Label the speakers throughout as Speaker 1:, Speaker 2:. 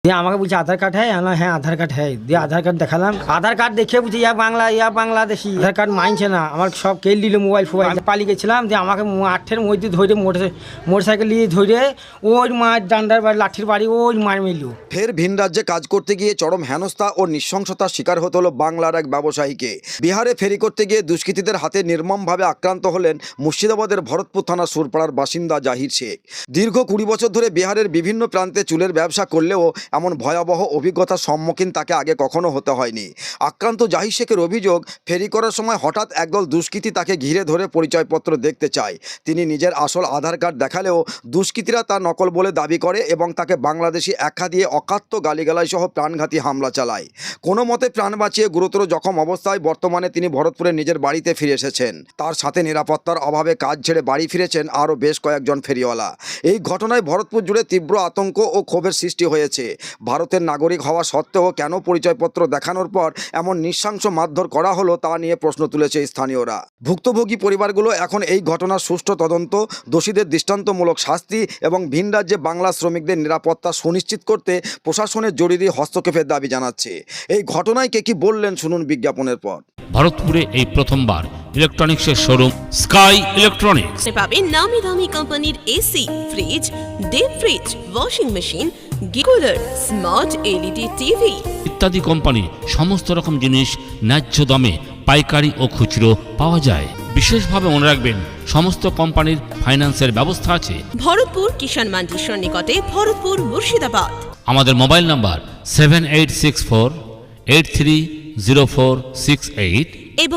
Speaker 1: দিয়ে আমাকে বলছে আধার কার্ড হ্যাঁ, আমি বললাম, হ্যাঁ আধার কার্ড হ্যাঁ। দিয়ে আধার কার্ড দেখালাম, আধার কার্ড দেখে বুঝি ইয়া বাংলাদেশি। আধার কার্ড মানছে না, আমার সব কেল দিল, মোবাইল পালিয়ে গেছিলাম। দিয়ে আমাকে আঠের মধ্যে ধরে মোটর সাইকেল নিয়ে ধরে ওই মার ডান্ডার বাড়ি লাঠির বাড়ি ওই মার মিলল।
Speaker 2: ফের ভিন রাজ্যে কাজ করতে গিয়ে চরম হেনস্থা ও নৃশংসতার শিকার হতে হলো বাংলার এক ব্যবসায়ীকে। বিহারে ফেরি করতে গিয়ে দুষ্কৃতীদের হাতে নির্মমভাবে আক্রান্ত হলেন মুর্শিদাবাদের ভরতপুর থানার সুরপাড়ার বাসিন্দা জাহির শেখ। দীর্ঘ 20 বছর ধরে বিহারের বিভিন্ন প্রান্তে চুলের ব্যবসা করলেও এমন ভয়াবহ অভিজ্ঞতার সম্মুখীন তাকে আগে কখনো হতে হয়নি। আক্রান্ত জাহির শেখের অভিযোগ, ফেরি করার সময় হঠাৎ একদল দুষ্কৃতী তাকে ঘিরে ধরে পরিচয়পত্র দেখতে চায়। তিনি নিজের আসল আধার কার্ড দেখালেও দুষ্কৃতীরা তার নকল বলে দাবি করে এবং তাকে বাংলাদেশি আখ্যা দিয়ে অকাত্য গালিগালাজ সহ প্রাণঘাতী হামলা চালায়। কোনো মতে প্রাণ বাঁচিয়ে গুরুতর জখম অবস্থায় বর্তমানে তিনি ভরতপুরে নিজের বাড়িতে ফিরে এসেছেন। তার সাথে নিরাপত্তার অভাবে কাজ ছেড়ে বাড়ি ফিরেছেন আরও বেশ কয়েকজন ফেরিওয়ালা। এই ঘটনায় ভরতপুর জুড়ে তীব্র আতঙ্ক ও ক্ষোভের সৃষ্টি হয়েছে। ভারতের নাগরিক হওয়া সত্ত্বেও কেন পরিচয়পত্র দেখানোর পর এমন নৃশংস মারধর করা হলো তা নিয়ে প্রশ্ন তুলেছে স্থানীয়রা। ভুক্তভোগী পরিবারগুলো এখন এই ঘটনার সুষ্ঠু তদন্ত, দোষীদের দৃষ্টান্তমূলক শাস্তি এবং ভিন রাজ্যে বাংলা শ্রমিকদের নিরাপত্তা সুনিশ্চিত করতে প্রশাসনের জরুরি হস্তক্ষেপের দাবি জানাচ্ছে। এই ঘটনায় কে কি বললেন শুনুন বিজ্ঞাপনের পর।
Speaker 3: ভারতপুরে এই প্রথমবার ইলেকট্রনিক্সের শোরুম স্কাই ইলেকট্রনিক্স
Speaker 4: পাবেন নামি দামি কোম্পানির AC, fridge, deep fridge, washing machine, cooler, smart LED TV
Speaker 3: ইত্যাদি কোম্পানির সমস্ত রকম জিনিস ন্যায্য দামে পাইকারি ও খুচরো পাওয়া যায়। বিশেষভাবে মনে রাখবেন, সমস্ত কোম্পানির ফাইন্যান্সের ব্যবস্থা আছে।
Speaker 4: ভরতপুর কিষাণ মান্ডির সন্নিকটে, ভরতপুর, মুর্শিদাবাদ।
Speaker 3: আমাদের মোবাইল নাম্বার 7864830468
Speaker 4: এবং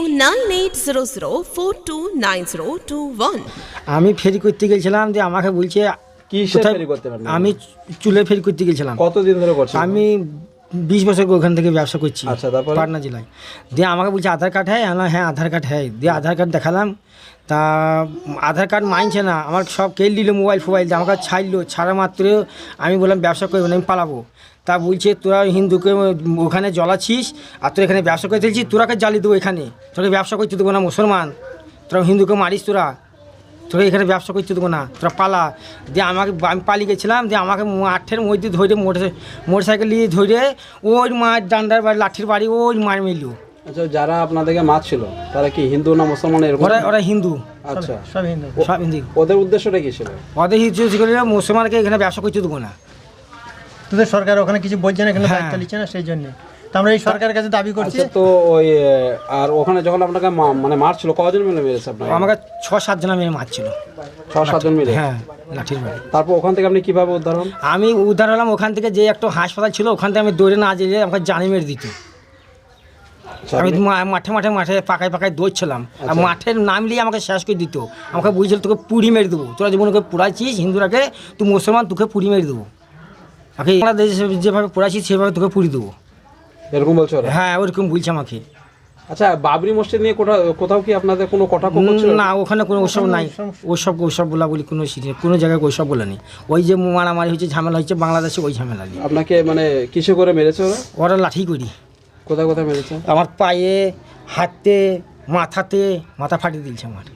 Speaker 4: 9800429021।
Speaker 1: আমি ফেরি করতে গেছিলাম, দিয়ে আমাকে বলছে কোথায়
Speaker 5: ফেরি করতে পারেন?
Speaker 1: আমি চুলের ফেরি করতে গেছিলাম।
Speaker 5: কতদিন ধরে করছেন?
Speaker 1: আমি 20 বছর ওখান থেকে ব্যবসা করছি।
Speaker 5: আচ্ছা, তারপরে?
Speaker 1: পাটনা জেলায়। দিয়ে আমাকে বলছে আধার কার্ড হ্যাঁ, আমি বললাম, হ্যাঁ আধার কার্ড হ্যাঁ। দিয়ে আধার কার্ড দেখালাম, তা আধার কার্ড মানছে না, আমার সব কেল দিল, মোবাইল দিয়ে আমাকে ছাড়লো। ছাড়া মাত্র আমি বললাম ব্যবসা করবো না, আমি পালাবো। তা বলছে তোরা হিন্দুকে ওখানে জ্বলাচ্ছিস আর তোরা এখানে ব্যবসা করতে দিচ্ছিস, তোরাকে জ্বালিয়ে দেবো, এখানে তোকে ব্যবসা করতে দেবো না, মুসলমান তোরা হিন্দুকে মারিস, তোরা এখানে ব্যবসা করতে দেবো না, তোরা পালা। দিয়ে আমি পালিয়ে গেছিলাম। দিয়ে আমাকে আঠের মধ্যে ধরে মোটর সাইকেল নিয়ে ধরে ওই মার ডান্ডার বাড়ি লাঠির বাড়ি ওই মার মিলল।
Speaker 5: আচ্ছা, যারা আপনাদেরকে মারছিল তারা কি হিন্দু না মুসলমান এরকম?
Speaker 1: ওরা হিন্দু।
Speaker 5: আচ্ছা,
Speaker 1: সব হিন্দু।
Speaker 5: ওদের উদ্দেশ্যটা কি ছিল?
Speaker 1: ওদের হিন্দু করে মুসলমানকে এখানে ব্যবসা করতে দেবো না।
Speaker 6: তোদের সরকার ওখানে কিছু বলছে না, এখানে
Speaker 1: হ্যাঁ।
Speaker 6: দায়িত্ব নিচ্ছে না, সেই জন্য তো আমরা এই সরকারের কাছে দাবি করছি।
Speaker 5: আচ্ছা, তো ওই আর ওখানে যখন আপনাকে মানে মারছিল, কজন মিলে মেরেছে আপনাকে?
Speaker 1: আমাকে 6-7 জন মেয়ে মারছিল।
Speaker 5: 6-7 জন মিলে?
Speaker 1: হ্যাঁ, লাঠির বাড়ি।
Speaker 5: তারপর ওখান থেকে আপনি কিভাবে উদ্ধার হন?
Speaker 1: আমি উদ্ধার হলাম ওখান থেকে, যে একটা হাসপাতাল ছিল ওখান থেকে আমি দৌড়ে না যেয়ে আমাকে জানি মেরে দিত।
Speaker 5: আচ্ছা,
Speaker 1: আমি মাঠে পাকায় দৌড়ছিলাম, আর মাঠের নামলেই আমাকে শেষ করে দিত। আমাকে বুঝছিল তোকে পুড়ি মেরে দেবো, তোরা যেমন ওকে পুড়াইছিস হিন্দুরাকে, তুই মুসলমান, তোকে পুড়ি মেরে দেবো। আমাকে বাংলাদেশে যেভাবে পুড়াইছিস সেভাবে তোকে পুড়ি দেবো,
Speaker 5: এরকম বলছো ওরা?
Speaker 1: হ্যাঁ ওরকম বলছে আমাকে।
Speaker 5: আচ্ছা, বাবরি মসজিদ নিয়ে কোথাও কি আপনাদের কোনো কটাক্ষ করছিল?
Speaker 1: না, ওখানে কোনো ওসব নাই, ওসব বলা বলি কোনো কোনো জায়গায় ওইসব বলে নেই। ওই যে মারামারি হয়েছে, ঝামেলা হয়েছে বাংলাদেশে, ওই ঝামেলা নেই।
Speaker 5: আপনাকে মানে কিসে করে মেরেছে ওরা?
Speaker 1: ওরা লাঠি করি।
Speaker 5: কোথায় কোথায় মেরেছে?
Speaker 1: আমার পায়ে, হাতে, মাথা ফাটিয়ে দিয়েছে, আমার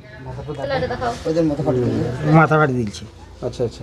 Speaker 1: মাথা ফাটিয়ে দিয়েছে।
Speaker 5: আচ্ছা আচ্ছা,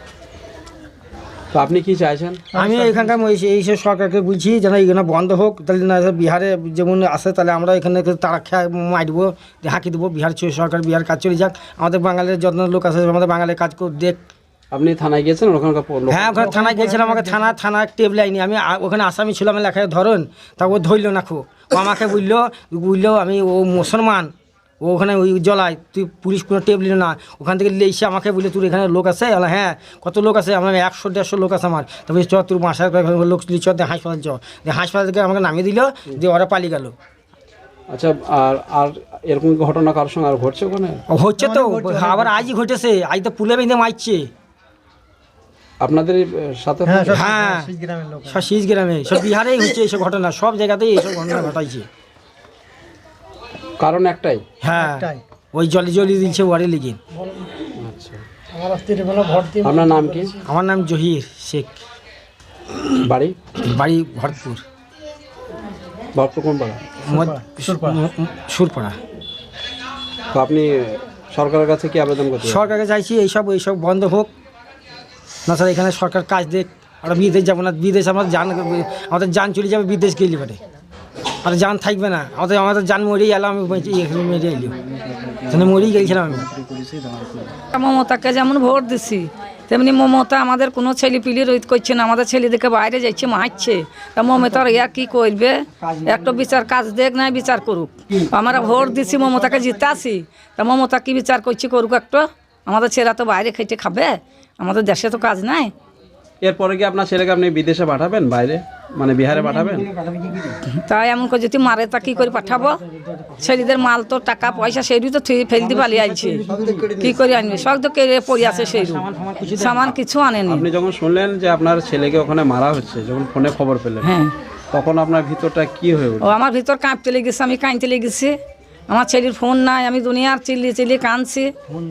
Speaker 5: তো আপনি কি চাইছেন?
Speaker 1: আমি এখানকার এইসব সরকারকে বলছি যেন এখানে বন্ধ হোক, তাহলে না বিহারে যেমন আসে তাহলে আমরা এখানে তারা খেয়ে মারবো, হাঁকি দেবো। বিহার সরকার বিহার কাজ চলে যাক, আমাদের বাঙালির যত্ন লোক আছে, আমাদের বাঙালির কাজ দেখ।
Speaker 5: আপনি থানায় গিয়েছেন ওখানকার?
Speaker 1: হ্যাঁ, ওখানে থানায় গিয়েছিলাম, আমাকে থানা টেবিল আইনি। আমি ওখানে আসামি ছিলাম, লেখায় ধরুন, তা ও ধরল না, ও আমাকে বললো আমি ও মুসলমান, ও ওখানে ওই জ্বলায়, তুই পুলিশ কোনো টেবিল না। ওখান থেকে এসে আমাকে বললে তোর এখানে লোক আছে? হ্যাঁ। কত লোক আছে? আমার 100-150 লোক আছে আমার। তারপরে চ তোর বাসার লোক চ হাসপাতাল হাসপাতাল থেকে আমাকে নামিয়ে দিল, দিয়ে ওরা পালিয়ে গেল।
Speaker 5: আচ্ছা, আর এরকম ঘটনা কারোর সঙ্গে আর ঘটছে ওখানে?
Speaker 1: হচ্ছে তো, আবার আজই ঘটেছে, আজ তো পুলে বেঁধে মারছে
Speaker 5: আপনাদের সাথে?
Speaker 1: হ্যাঁ, সব শীষ গ্রামে, সব বিহারেই হচ্ছে এইসব ঘটনা, সব জায়গাতেই এইসব ঘটনা ঘটাইছে।
Speaker 5: কারণ একটাই?
Speaker 1: হ্যাঁ, ওই জলি দিচ্ছে ওয়ারে লেগে।
Speaker 5: আচ্ছা, আপনার নাম কি?
Speaker 1: আমার নাম জহির শেখ।
Speaker 5: বাড়ি
Speaker 1: ভরতপুর।
Speaker 5: কোন পাড়া?
Speaker 1: সুরপাড়া।
Speaker 5: তো আপনি সরকারের কাছে কি আবেদন করছেন?
Speaker 1: সরকারকে চাইছি এইসব বন্ধ হোক, না স্যার এখানে সরকার কাজ দেখ। আমরা বিদেশ যাবো না, বিদেশ আমাদের জান চলে যাবে বিদেশ গেলে পারে, আর জান থাকবে না, আমাদের জান মরেই এলাম, আমি এখানে মেরে এলি, এখানে মরেই গেছিলাম আমি।
Speaker 7: মমতাকে যেমন ভোট দিছি তেমনি মমতা আমাদের কোনো ছেলেপিলি রোধ করছে না, আমাদের ছেলেদেরকে বাইরে যাচ্ছে মারছে। তা মমতার ইয়া কি করবে, একটা বিচার কাজ দেখ নাই বিচার করুক। আমরা ভোট দিছি মমতাকে জিতাছি, তা মমতা কি বিচার করছে করুক একটা। আমাদের ছেলেরা তো বাইরে খেটে খাবে, আমাদের দেশে তো কাজ নাই।
Speaker 5: এরপরে কি আপনার ছেলেকে আপনি বিদেশে পাঠাবেন, বাইরে মানে বিহারে পাঠাবেন?
Speaker 7: তাই এমন করে যদি মারে তা কি করে পাঠাবো? ছেলেদের মাল তো টাকা পয়সা সেইরু তো ফেলতে পালিয়ে আইছে, কি করে আনবে? সব তো কেড়ে পড়ে আছে সেইরু, সামান কিছু আনেনি।
Speaker 5: আপনি যখন শুনলেন যে আপনার ছেলেকে ওখানে মারা হচ্ছে, যখন ফোনে খবর পেলেন,
Speaker 7: হ্যাঁ,
Speaker 5: তখন আপনার ভিতরটা কি হয়ে
Speaker 7: ও
Speaker 5: উঠল?
Speaker 7: আমার ভিতর কাঁপতে লেগেছে, আমি কাঁদতে লেগেছি। আমার ছেলের ফোন নাই, আমি দুনিয়ার চিল্লি কাঁদছি।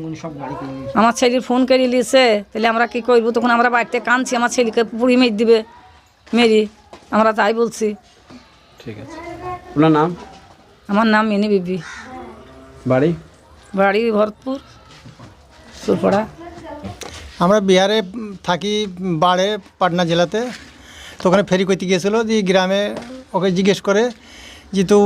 Speaker 7: আমার ছেলের ফোন কেড়ে নিয়েছে, তাহলে আমরা কি করবো? তখন আমরা বাড়িতে কাঁদছি, আমার ছেলেকে পুড়ি মেরে দিবে, মেরি আমরা তাই বলছি।
Speaker 5: ঠিক আছে, আপনার নাম?
Speaker 7: আমার নাম মিনি বিবি,
Speaker 5: বাড়ি?
Speaker 7: বাড়ি ভরতপুর, সুরপাড়া।
Speaker 6: আমরা বিহারে থাকি, বাড়ে পাটনা জেলাতে। তো ওখানে ফেরি করতে গিয়েছিলো, যে গ্রামে ওকে জিজ্ঞেস করে যে তো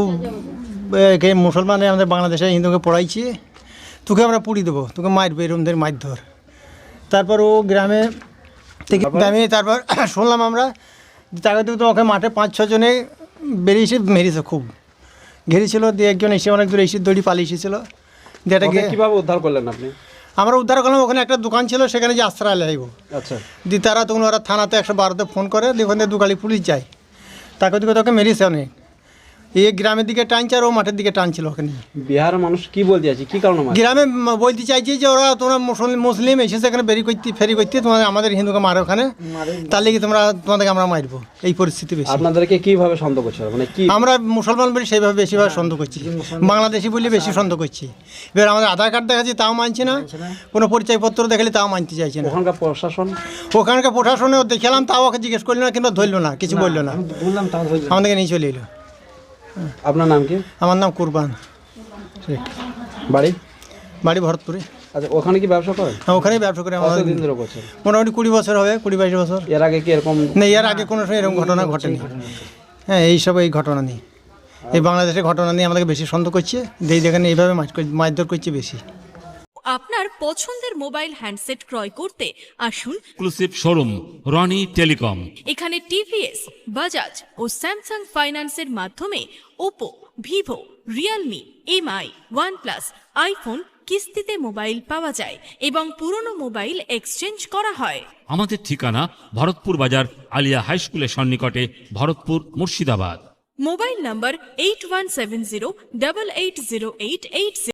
Speaker 6: মুসলমানে আমাদের বাংলাদেশে হিন্দুকে পড়াইছি, তোকে আমরা পুড়ি দেবো, তোকে মারবে, এরমদের মারধর। তারপর ও গ্রামে থেকে আমি তারপর শুনলাম আমরা তাকে তো ওকে মাঠে 5-6 জনে বেরিয়েছে, মেরেছে, খুব ঘেরেছিল। দিয়ে একজন এসে অনেক দূরে এসে দড়ি পালিয়ে এসেছিলো। দিয়ে
Speaker 5: ওকে কিভাবে উদ্ধার করলেন আপনি?
Speaker 6: আমরা উদ্ধার করলাম, ওখানে একটা দোকান ছিল, সেখানে যে আশ্রয় লাগব।
Speaker 5: আচ্ছা,
Speaker 6: দিয়ে তারা তখন ওরা থানাতে 112-তে ফোন করে, দিয়ে ওখান থেকে 2 গাড়ি পুলিশ যায়। তাকে দিকে তোকে মেরেছে অনেক, এই গ্রামের দিকে টানছে আর ও মাঠের দিকে টানছিল ওখানে।
Speaker 5: বিহারের মানুষ কি বলতে চাইছে, কি কারণে মারছে?
Speaker 6: গ্রামে বলতে চাইছি যে ওরা তোমরা মুসলিম এসেছে এখানে ফেরি করতে, তোমাদের আমাদের হিন্দুকে মারো ওখানে, তার লেগে তোমাদেরকে আমরা মারবো। এই পরিস্থিতি বেশি।
Speaker 5: আপনাদেরকে কিভাবে সন্দেহ করছে, মানে কি?
Speaker 6: আমরা মুসলমান বলি সেইভাবে বেশিরভাগ সন্দেহ করছি, বাংলাদেশি বলি বেশি সন্দেহ করছি। এবার আমাদের আধার কার্ড দেখাচ্ছি তাও মানছি না, কোনো পরিচয়পত্র দেখালে তাও মানতে চাইছে না।
Speaker 5: ওখানকার প্রশাসন?
Speaker 6: ওখানকার প্রশাসনে দেখালাম, তাও ওকে জিজ্ঞেস করলো না, কিন্তু ধরলো না, কিছু বললো না, আমাদেরকে নিয়ে চলে এলো।
Speaker 5: আপনার নাম কি?
Speaker 6: আমার নাম কুরবান শেখ,
Speaker 5: বাড়ি?
Speaker 6: বাড়ি ভরতপুরে।
Speaker 5: আচ্ছা, ওখানে কি ব্যবসা করেন?
Speaker 6: হ্যাঁ, ওখানেই ব্যবসা করে আমাদের
Speaker 5: কতদিন ধরে করছেন?
Speaker 6: মোটামুটি 20 বছর হবে, 20-22 বছর।
Speaker 5: এর আগে কি এরকম?
Speaker 6: না, এর আগে কোনো সময় এরকম ঘটনা ঘটেনি। হ্যাঁ, এই ঘটনা নেই, এই বাংলাদেশের ঘটনা নিয়ে আমাদেরকে বেশি সন্দেহ করছে। দেখেন এইভাবে মারধর করছে বেশি।
Speaker 8: আপনার পছন্দের মোবাইল হ্যান্ডসেট ক্রয় করতে আসুন
Speaker 3: এক্সক্লুসিভ শোরুম রনি টেলিকম।
Speaker 8: এখানে টিভিএস, বাজাজ ও স্যামসাং ফাইন্যান্সের মাধ্যমে Oppo, Vivo, Realme, MI, OnePlus, iPhone কিস্তিতে মোবাইল পাওয়া যায় এবং পুরনো মোবাইল এক্সচেঞ্জ করা হয়।
Speaker 3: আমাদের ঠিকানা ভরতপুর বাজার আলিয়া হাই স্কুলের সন্নিকটে, ভরতপুর, মুর্শিদাবাদ।
Speaker 8: মোবাইল নম্বর 8170880880।